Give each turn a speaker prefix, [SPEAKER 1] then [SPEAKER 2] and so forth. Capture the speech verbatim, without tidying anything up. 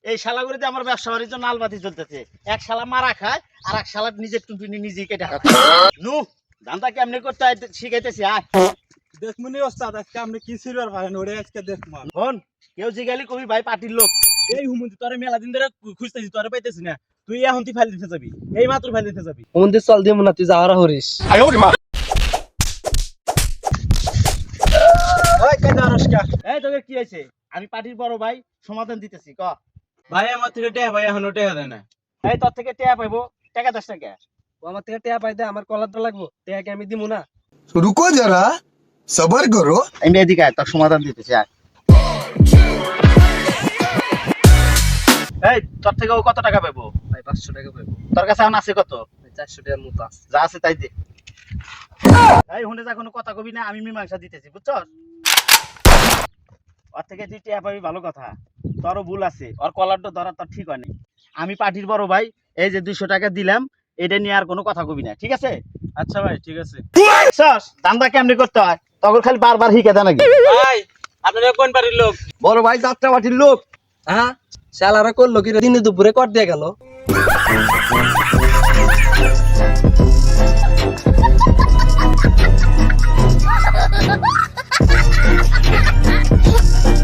[SPEAKER 1] এই শালাগুড়িতে আমার ব্যবসা বাণিজ্য নালবাতি চলতেছে। এক শালা মারা খায় আর এক শালা নিজের টুনটুনি নিজেই কেটে খায়। নু ধান্দা কেমনি করতে হয় শিখাইতেছি। আয়
[SPEAKER 2] দেখমুনি ওস্তাদ আজকে আপনি কি সিলভার পারেন ওরে আজকে দেখমান।
[SPEAKER 1] শোন, কেউ জিগালি কবি ভাই পার্টির লোক।
[SPEAKER 2] এই হুমন্তি তোরে মেলা দিন ধরে খুঁজতেছি তোরে পাইতেছি না। তুই এখন তুই ফাইল দিতে যাবি, এই মাত্র ফাইল দিতে যাবি।
[SPEAKER 3] হুমন্তি চল দিমু না, তুই যাওয়ারা হরিস।
[SPEAKER 2] ওই কাজা রসকা
[SPEAKER 1] এই তোকে কি হয়েছে? আমি পার্টির বড় ভাই, সমাধান দিতেছি। ক
[SPEAKER 2] ভাই আমার থেকে টেহা ভাই এখনো টেহা দেয় না।
[SPEAKER 1] এই তোর থেকে টেয়া পাইবো, টাকা দশ টাকা।
[SPEAKER 3] ও আমার থেকে টেয়া পাইতে আমার কলারটা লাগবো, টেয়া কি আমি দিমু না?
[SPEAKER 4] रुको जरा सबर करो।
[SPEAKER 1] আমি এদিকে আয়, তোর সমাধান দিতেছি। আয় এই তোর থেকে ও কত টাকা পাইবো?
[SPEAKER 3] ভাই পাঁচশো টাকা পাইবো।
[SPEAKER 1] তোর কাছে এখন আছে কত?
[SPEAKER 3] ভাই চারশো টাকার মতো আছে।
[SPEAKER 1] যা আছে তাই দে। এই হুনে যা কোনো কথা কবি না, আমি মীমাংসা দিতেছি, বুঝছস? ওর থেকে তুই টেয়া পাবি ভালো কথা, তোরও ভুল আছে। ওর কলারটা ধরা তোর ঠিক হয়নি। আমি পার্টির বড় ভাই, এই যে দুইশো টাকা দিলাম, এটা নিয়ে আর কোনো কথা কবি না, ঠিক আছে?
[SPEAKER 2] আচ্ছা ভাই ঠিক আছে।
[SPEAKER 1] বুঝছস দান্দা কেমনি করতে হয়? তখন খালি বারবার হিকে দেয় নাকি?
[SPEAKER 2] ভাই আপনারা কোন বাড়ির লোক?
[SPEAKER 3] বড় ভাই যাত্রা পার্টির লোক। হ্যাঁ, শালারা করলো কি রে? দিনে দুপুরে কর দিয়ে গেল।